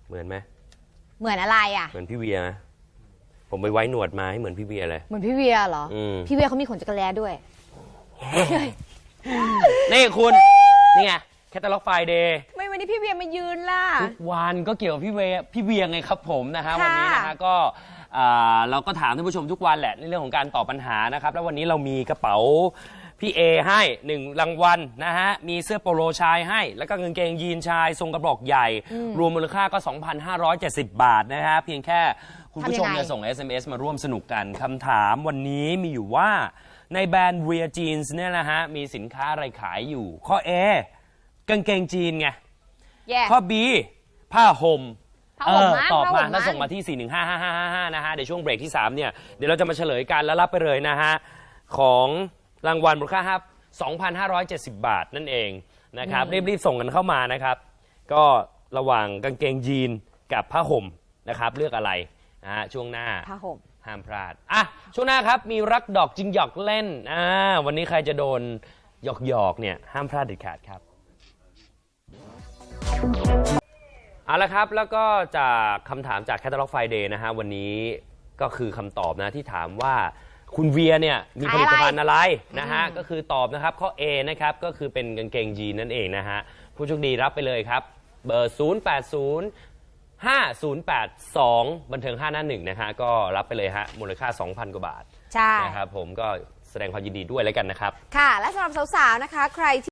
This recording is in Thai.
เหมือนไหมเหมือนอะไรอ่ะเหมือนพี่เวียไหมผมไปไว้หนวดมาให้เหมือนพี่เวียเลยเหมือนพี่เวียเหรอพี่เวียเขามีขนจักรแร้ด้วยนี่คุณนี่ไงแคตตาล็อกไฟเดย์ทำไมวันนี้พี่เวียมายืนล่ะทุกวันก็เกี่ยวกับพี่เวียไงครับผมนะฮะวันนี้นะฮะก็เราก็ถามท่านผู้ชมทุกวันแหละในเรื่องของการตอบปัญหานะครับแล้ววันนี้เรามีกระเป๋าพี่เอให้1รางวัลนะฮะมีเสื้อโปโลชายให้แล้วก็กางเกงยีนชายทรงกระบอกใหญ่รวมมูลค่าก็ 2,570 บาทนะฮะเพียงแค่คุณผู้ชมเนี่ยส่ง SMS มาร่วมสนุกกันคำถามวันนี้มีอยู่ว่าในแบรนด์ Wear Jeans เนี่ยนะฮะมีสินค้าอะไรขายอยู่ข้อ A กางเกงจีนไงข้อ B ผ้าห่มตอบมาแล้วส่งมาที่ 4155555 นะฮะเดี๋ยวช่วงเบรกที่ 3 เนี่ยเดี๋ยวเราจะมาเฉลยกันแล้วรับไปเลยนะฮะของรางวัลมูลค่า2,570 บาทนั่นเองนะครับรีบส่งกันเข้ามานะครับก็ระหว่างกางเกงยีนกับผ้าห่มนะครับเลือกอะไรนะฮะช่วงหน้าผ้าห่มห้ามพลาดช่วงหน้าครับมีรักดอกจึงหยอกเล่นวันนี้ใครจะโดนหยอกเนี่ยห้ามพลาดเด็ดขาดครับเอาละครับแล้วก็จากคำถามจาก Catalog Friday นะฮะวันนี้ก็คือคำตอบนะที่ถามว่าคุณเวียเนี่ยมีผลิตภัณฑ์อะไรนะฮะก็คือตอบนะครับข้อ A นะครับก็คือเป็นกางเกงยีนนั่นเองนะฮะผู้โชคดีรับไปเลยครับเบอร์ 0805082 บันเทิง5หน้า1นะฮะก็รับไปเลยฮะมูลค่า 2,000 กว่าบาทใช่นะครับผมก็แสดงความยินดีด้วยแล้วกันนะครับค่ะและสำหรับสาวๆนะคะใคร